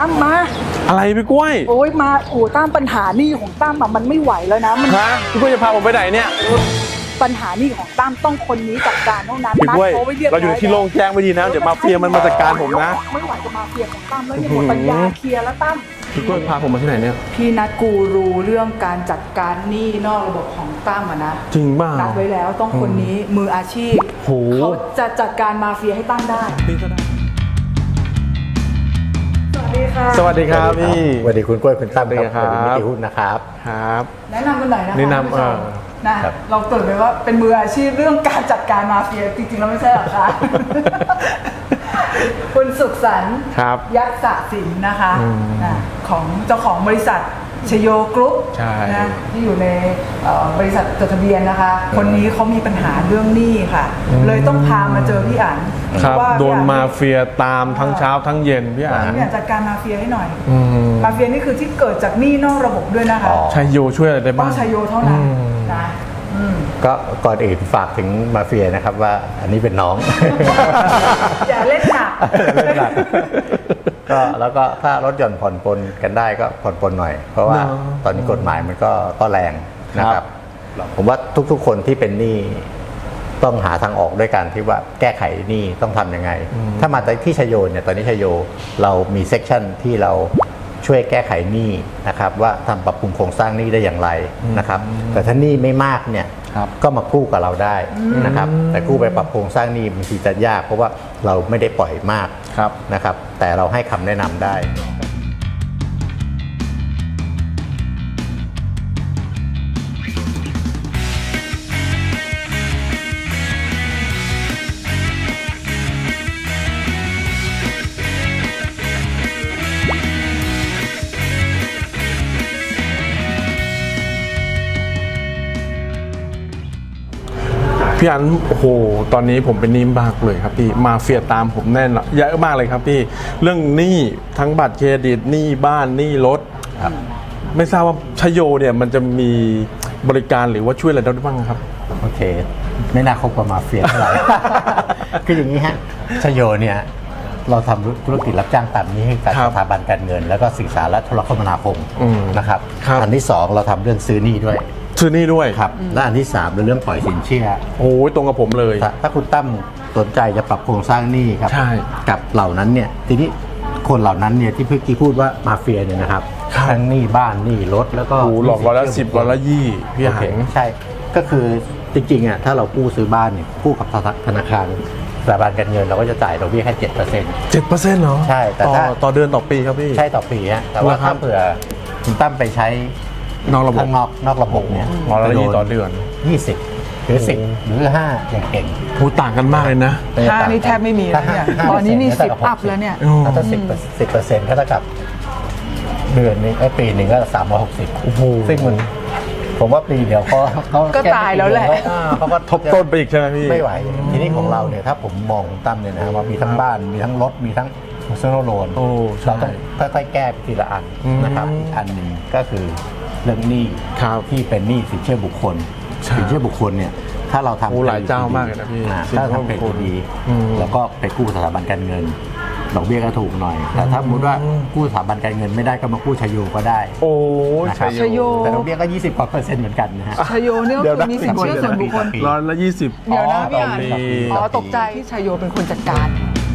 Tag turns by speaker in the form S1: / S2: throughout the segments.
S1: ตั้มมา
S2: อะไรพี่กล้วย
S1: โอ้ยมาโอ้ตั้มปัญหานี่ของตั้มมันไม่ไหวแล้วนะมัน
S2: พี่กล้วยจะพาผมไปไหนเนี่ย
S1: ปัญหานี่ของตั้มต้องคนนี้จัดการเท่านั้น
S2: พี่กล้วยเราอยู่ที่โล่งแจ้งไม่ดีนะเดี๋ยวมาเฟียมันมาจัดการผมนะ
S1: ไม่ไหวจะมาเฟียของตั้มแล้วยังหมดปัญญาเคลียร์แล้วตั้ม
S2: พี่กล้วยพาผมมาที่ไหนเนี่ย
S1: พี่นัดกูรูเรื่องการจัดการหนี้นอกระบบของตั้มนะ
S2: จริงบ้า
S1: นัดไว้แล้วต้องคนนี้มืออาชีพเขาจะจัดการมาเฟียให้ตั้มได้
S2: สวัสดีครับพี่
S3: สวัสดีคุณกล้วยคุณตั้มครับนิติหุ้นนะครับ
S2: ครับ
S1: แนะนำกันหน่อยนะคะ
S2: แนะนำ
S1: นะเราเกิดไปว่าเป็นมืออาชีพเรื่องการจัดการมาเฟียจริงๆแล้วไม่ใช่หรอคะคุณสุขสันต์ยักษ์ศศิลป์นะคะของเจ้าของบริษัทชโยกรุ๊ปนะที่อยู่ในบริษัทจดทะเบียนนะคะคนนี้เขามีปัญหาเรื่องหนี้ค่ะเลยต้องพามาเจอพี่อั๋น
S2: ว่าโดนมาเฟียตามทั้งเช้าทั้งเย็นพี่อั๋น
S1: จัดการมาเฟียให้หน่อยมาเฟียนี่คือที่เกิดจากหนี้นอกระบบด้วยนะคะ
S2: ชโยช่วยอะไรได้บ้าง
S1: ต้องชโยเท่านั้นนะ
S3: ก็ก่อนอื่นฝากถึงมาเฟียนะครับว่าอันนี้เป็นน้อง
S1: อย่าเล่นหนัก
S3: ก็แล้วก็ถ้ารถยนต์ผ่อนปลนกันได้ก็ผ่อนปลนหน่อยเพราะว่าตอนนี้กฎหมายมันก็แรงนะครับผมว่าทุกๆคนที่เป็นหนี้ต้องหาทางออกด้วยกันที่ว่าแก้ไขหนี้ต้องทำยังไงถ้ามาที่ชโยเนี่ยตอนนี้ชโยเรามีเซกชันที่เราช่วยแก้ไขหนี้นะครับว่าทำปรับปรุงโครงสร้างหนี้ได้อย่างไรนะครับแต่ถ้าหนี้ไม่มากเนี่ยก็มากู้กับเราได้นะครับแต่กู้ไปปรับโครงสร้างหนี้บางทีจะยากเพราะว่าเราไม่ได้ปล่อยมากนะครับแต่เราให้คำแนะนำได้
S2: พี่อันโอ้โหตอนนี้ผมเป็นหนี้มากเลยครับพี่มาเฟียตามผมแน่นเยอะมากเลยครับพี่เรื่องหนี้ทั้งบัตรเครดิตหนี้บ้านหนี้รถไม่ทราบว่าชโยเนี่ยมันจะมีบริการหรือว่าช่วยอะไรได้บ้างครับ
S3: โอเคไม่น่าคบกับมาเฟียเท่าไหร่ คืออย่างนี้ฮะชโยเนี่ยเราทำธุรกิจรับจ้างตามนี้ให้กับสถาบันการเงินแล้วก็สื่อสารและโทรคมนาคมนะครับอันที่2เราทำเรื่องซื้อหนี้ด้วยครับและอันที่3เรื่องปล่อยสินเชื่อ
S2: โอ้ยตรงกับผมเลย
S3: ถ้าคุณตั้มสนใจจะปรับโครงสร้างหนี้ครับกับเหล่านั้นเนี่ยทีนี้คนเหล่านั้นเนี่ยที่เมื่อกี้พูดว่ามาเฟียเนี่ยนะครับทั้งหนี้บ้านหนี้รถแล้วก็
S2: หลอก110 120พี่หัง
S3: ใช่ก็คือจริงๆอ่ะถ้าเรากู้ซื้อบ้านเนี่ยกู้กับธนาคารสถาบันการเงินเราก็จะจ่ายดอกเบี้ยแค่ 7%
S2: เหรอ
S3: ใช่แต่
S2: ต่อเดือนต่อปีครับพี่
S3: ใช่ต่อปีฮะแต่ว่าถ้าเผื่อคุณตั้มไปใช้
S2: นอกระบบ
S3: นอกระบบเนี่ย
S2: 120ต่อเดือน
S3: 20หรือ10หรือ5อย่างเก่ง
S2: พูดต่างกันมากเลยนะ
S1: 5นี่แทบไม่มีแล้วเนี่ยตอนนี้นี่10อัพแล้วเนี่ย
S3: ถ้า10%ก็เท่ากับเดือนนึงปีหนึ่งก็360ซึ่งมันผมว่าปีเดียว
S1: ก็ตายแล้วแหละ
S3: เขาก็
S2: ทบต้นไปอีกใช่ไหมพี่
S3: ไม่ไหวทีนี้ของเราเนี่ยถ้าผมมองตั้มเนี่ยนะว่ามีทั้งบ้านมีทั้งรถมีทั้งpersonal loanเราต้องค่อยๆแก้ทีละอันนะครับอันหนึ่งก็คือเรื่องหนี้ที่เป็นหนี้สินเชื่อบุคคลสินเชื่อบุคคลเนี่ยถ้าเราทำ
S2: หลายเจ้ามากเลยนะพี่
S3: ถ้าทำเป็นดีแล้วก็ไปกู้สถาบันการเงินดอกเบี้ยก็ถูกหน่อยแต่ถ้าสมมติว่ากู้สถาบันการเงินไม่ได้ก็มากู้ชโยก็ได้
S2: โอ้
S1: ชโย
S3: แต่ดอกเบี้ยก็20%เหมือนกันนะฮะ
S1: ชโยนี่ก็คือมีสินเชื่อส่วนบุคคล
S2: 120
S1: เดี๋ยวนะพี่อ่านตกใจที่ชโยเป็นคนจัดการ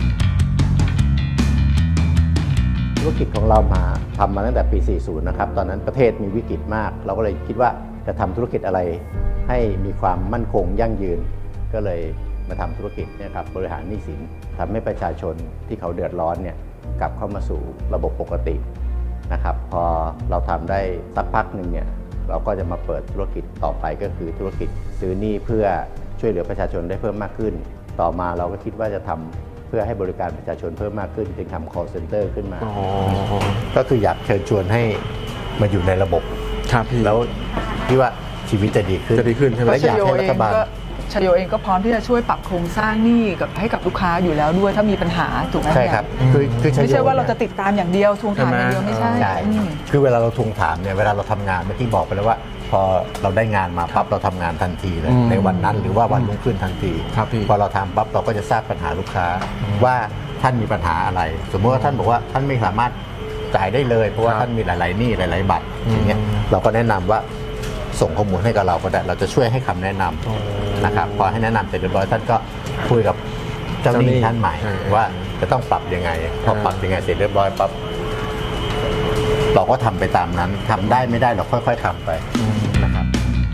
S3: ธุรกิจของเรามาทำมาตั้งแต่ปี 40 นะครับตอนนั้นประเทศมีวิกฤตมากเราก็เลยคิดว่าจะทำธุรกิจอะไรให้มีความมั่นคงยั่งยืนก็เลยมาทำธุรกิจเนี่ยครับบริหารหนี้สินทำให้ประชาชนที่เขาเดือดร้อนเนี่ยกลับเข้ามาสู่ระบบปกตินะครับพอเราทำได้สักพักหนึ่งเนี่ยเราก็จะมาเปิดธุรกิจต่อไปก็คือธุรกิจซื้อหนี้เพื่อช่วยเหลือประชาชนได้เพิ่มมากขึ้นต่อมาเราก็คิดว่าจะทำเพื่อให้บริการประชาชนเพิ่มมากขึ้นจึงทำ call center ขึ้นมาก็คืออยากเชิญชวนให้มาอยู่ในระบบแล้วที่ว่าชีวิตจะดีขึ้น
S2: ใช่ไหม
S3: และอยากให้รัฐบาล
S1: ชโยเองก็พร้อมที่จะช่วยปรับโครงสร้างหนี้ให้กับลูกค้าอยู่แล้วด้วยถ้ามีปัญหาถูกไหม
S3: ใช่ครับ
S1: ไม่ใช่ว่าเราจะติดตามอย่างเดียวทวงถามอย่างเดียวไม่ใช่
S3: คือเวลาเราทวงถามเนี่ยเวลาเราทำงานเมื่อกี้บอกไปแล้วว่าพอเราได้งานมาปั๊บเราทำงานทันทีเลยในวันนั้นหรือว่าวันรุ่งขึ้นทันทีพอเราทำปั๊บเราก็จะทราบปัญหาลูกค้าว่าท่านมีปัญหาอะไรสมมติว่าท่านบอกว่าท่านไม่สามารถจ่ายได้เลยเพราะว่าท่านมีหลายๆหนี้หลายๆบัตรอย่างเงี้ยเราก็แนะนำว่าส่งข้อมูลให้กับเราก็ได้เราจะช่วยให้คำแนะนำนะครับพอให้แนะนำเสร็จเรียบร้อยท่านก็คุยกับเจ้าหนี้ท่านใหม่ว่าจะต้องปรับยังไงพอปรับยังไงเสร็จเรียบร้อยปั๊บเราก็ทำไปตามนั้นทำได้ไม่ได้เราค่อยๆทำไปนะครับ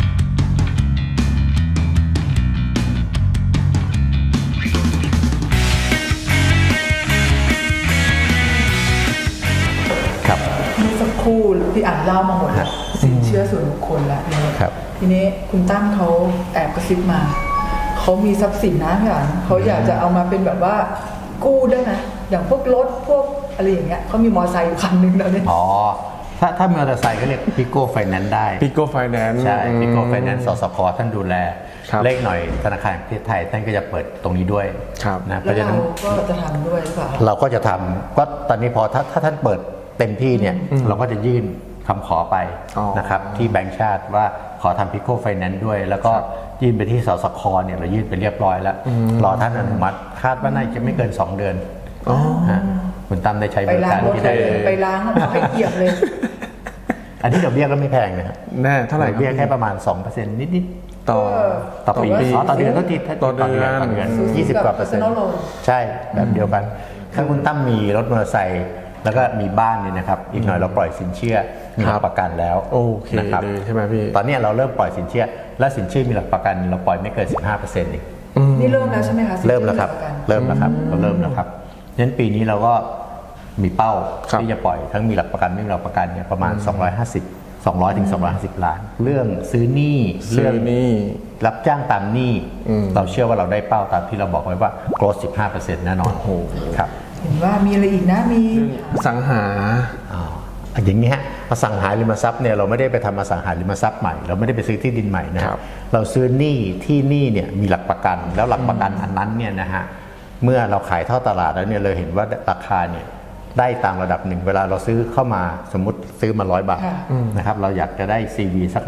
S3: ครับ
S1: เมื่อสักครู่พี่อ่านเล่ามาหมดแล้วสินเชื่อส่วนบุคคลแล้ว
S3: ครับ
S1: ทีนี้คุณตั้มเขาแอบกระซิบมาเขามีทรัพย์สินนะพี่อ่านเขาอยากจะเอามาเป็นแบบว่ากู้ได้ไหมอย่างพวกรถพวกอะไรอย่างเงี้ยเขามีมอเตอร์ไซค์อยู่คันนึงแล้วเนี่ย
S3: อ๋อถ้ามอเตอร์ไซค์ก็เรียกพิโก้ไฟแนนซ์ได้
S2: ปิโก้ไฟแนนซ์
S3: ใช่พิโก้ไฟแนนซ์สสคท่านดูแล
S2: ครับ
S3: เลขหน่อยธนาคารแห่งประเทศไทยท่านก็จะเปิดตรงนี้ด้วย
S2: ครับ
S3: นะเพ
S1: แล้ว
S3: ราะฉะ
S1: เรา
S3: นั้น
S1: ก็จะทำด้วยหรือเปล่า
S3: เราก็จะทำก็ตอนนี้พอถ้าท่านเปิดเต็มที่เนี่ยเราก็จะยื่นคำขอไป
S2: อ๋อ
S3: นะครับที่แบงก์ชาติว่าขอทำพิโก้ไฟแนนซ์ด้วย แล้วก็ยื่นไปที่สสคเนี่ยเรายื่นไปเรียบร้อยแล้วรอท่านอนุมัติคาดว่าน่าจะไม่เกิน 2 เดือนฮะคุณตั้มได้ใช้บ
S1: ไป
S3: ริ
S1: ล้าง
S3: การ
S1: รถ
S3: ที่
S1: เล
S3: ได้
S1: ยไปล้างเอาไปเกียบเลย
S3: อันนี้ดอกเบี้ยก็ไม่แพงนะครับ
S2: แน่เท่าไหร่
S3: ดอกเบี้ยแค่ประมาณ 2%นิดๆ
S2: ต่อ
S3: ต่อปี
S2: ต่อปี
S3: ต่อเดือนก็ติด
S2: ต่อเดือน
S3: ต่อเดือน
S1: สูง
S3: 20 กว่าเปอร์เซ็นต์
S1: personal loan
S3: ใช่แบบเดียวกันถ้าคุณตั้มมีรถมอเตอร์ไซค์แล้วก็มีบ้านเนี่ยนะครับอีกหน่อยเราปล่อยสินเชื่อมีหลักประกันแล้ว
S2: โอเค
S3: นะครับ
S2: เลยใช่ไหมพี่
S3: ตอนนี้เราเริ่มปล่อยสินเชื่อและสินเชื่อมีหลักประกันเราปล่อยไม่เกิน 15%อีก
S1: นี่เริ่มแล้วใช่ไหมคะ
S3: เริ่มแล้วครับ
S1: สินเชื่อ
S3: เริ่มแล้วครับเราเริ่มแล้วครับงั้นปีนี้เราก็มีเป้า
S2: ครับ
S3: ที่จะปล่อยทั้งมีหลักประกันไม่มีหลักประกันเนี่ยประมาณ 200 ถึง 250 ล้าน เรื่องซื้อหนี้
S2: ซื้อหนี้
S3: รับจ้างตามหนี้เราเชื่อว่าเราได้เป้าตามที่เราบอกไว้ว่า growth 15% แน่นอนครับ
S1: เห็นว่ามีอะไรอีกนะมี
S2: สังหา
S3: อย่างนี้ฮะอสังหาริมทรัพย์เนี่ยเราไม่ได้ไปทำอสังหาริมทรัพย์ใหม่เราไม่ได้ไปซื้อที่ดินใหม่นะครับ เราซื้อหนี้ที่หนี้เนี่ยมีหลักประกันแล้วหลักประกันอันนั้นเนี่ยนะฮะเมื่อเราขายเท่าตลาดแล้วเนี่ยเราเห็นว่าราคาเนี่ยได้ตามระดับหนึ่งเวลาเราซื้อเข้ามาสมมติซื้อมา100 บาท
S1: ค่ะ
S3: นะครับเราอยากจะได้ CV สัก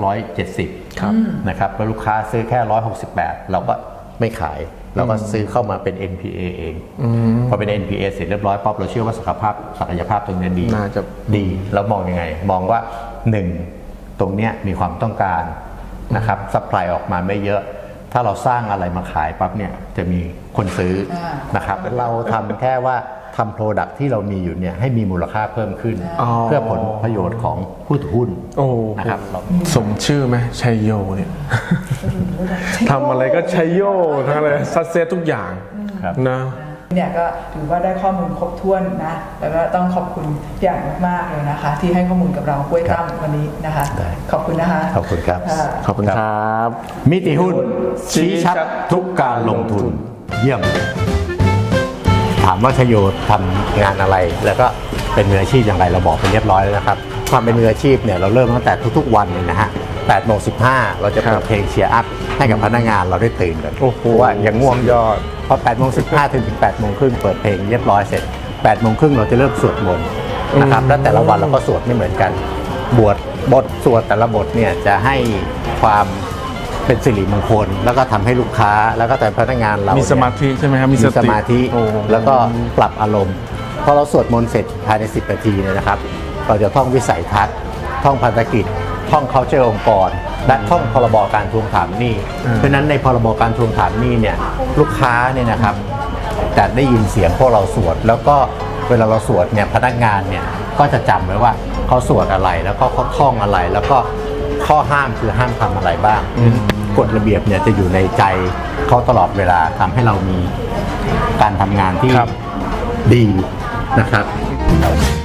S3: 170
S2: ครับ
S3: นะครับแล้วลูกค้าซื้อแค่168เราก็ไม่ขายเราก็ซื้อเข้ามาเป็น NPA เองพอเป็น NPA เสร็จเรียบร้อยป๊อปเราเชื่อว่าศักยภาพตรงนี้ดี
S2: น่าจะ
S3: ดีเรามองยังไง มองว่า 1 ตรงเนี้ยมีความต้องการนะครับซัพพลายออกมาไม่เยอะ ถ้าเราสร้างอะไรมาขายปั๊บเนี่ยจะมีคนซื้อนะครับเราทำแค่ว่าทำโปรดักที่เรามีอยู่เนี่ยให้มีมูลค่าเพิ่มขึ้น เพื่อผลประโยชน์ของผู้ถือหุ้น
S2: โอ้
S3: นะครับเรา
S2: สมชื่อไหมชัยโยเนี่ยทำอะไรก็ชัยโยทั้งเลยซัดเซตทุกอย่าง
S3: ครับ
S2: นะ
S1: เนี่ยก็ถือว่าได้ข้อมูลครบถ้วนนะแล้วก็ต้องขอบคุณอย่างมากๆเลยนะคะ ที่ให้ข้อมูลกับเรากล้วยตั้มวันนี้นะคะ
S3: ได้
S1: ขอบคุณนะคะ
S3: ขอบคุณครับ
S1: ค่ะ
S2: ขอบคุณครับ
S3: มิติหุ้นชี้ชัดทุกการลงทุนเยี่ยม ถามว่าชโยทำงานอะไร แล้วก็เป็นมืออาชีพอย่างไรเราบอกไปเรียบร้อยแล้วนะครับความเป็นมืออาชีพเนี่ยเราเริ่มตั้งแต่ทุกๆวันเลยนะฮะ8:15เราจะเปิดเพลงเชียร์อัพให้กับพนักงานเราได้ตื่นกัน
S2: โอ้โห
S3: ว่าอย่างง่วงยอดพอ8:15ถึง 8:30เปิดเพลงเรียบร้อยเสร็จ8:30เราจะเริ่มสวดมนต์นะครับแล้วแต่ละวันเราก็สวดไม่เหมือนกันบทสวดแต่ละบทเนี่ยจะให้ความเป็นสิริมงคลแล้วก็ทำให้ลูกค้าแล้วก็แต่พนักงานเรา
S2: มีสมาธิใช่ไหมครับ
S3: มีสมาธิ
S2: โอ้
S3: แล้วก็ปรับอารมณ์พอเราสวดมนต์เสร็จภายใน10 นาทีเนี่ยนะครับ เราจะท่องวิสัยทัศน์ท่องพันธกิจท่อง culture องค์กร และท่องพรบการทวงถามหนี้เพราะฉะนั้นในพรบการทวงถามหนี้เนี่ยลูกค้าเนี่ยนะครับจะได้ยินเสียงพวกเราสวด แล้วก็เวลาเราสวดเนี่ยพนักงานเนี่ยก็จะจำไว้ว่าเขาสวดอะไรแล้วก็เขาท่องอะไร แล้วก็ข้อห้ามคือห้ามทำอะไรบ้างกฎระเบียบเนี่ยจะอยู่ในใจเขาตลอดเวลาทำให้เรามีการทำงานที่
S2: ครับ
S3: ดีนะครับ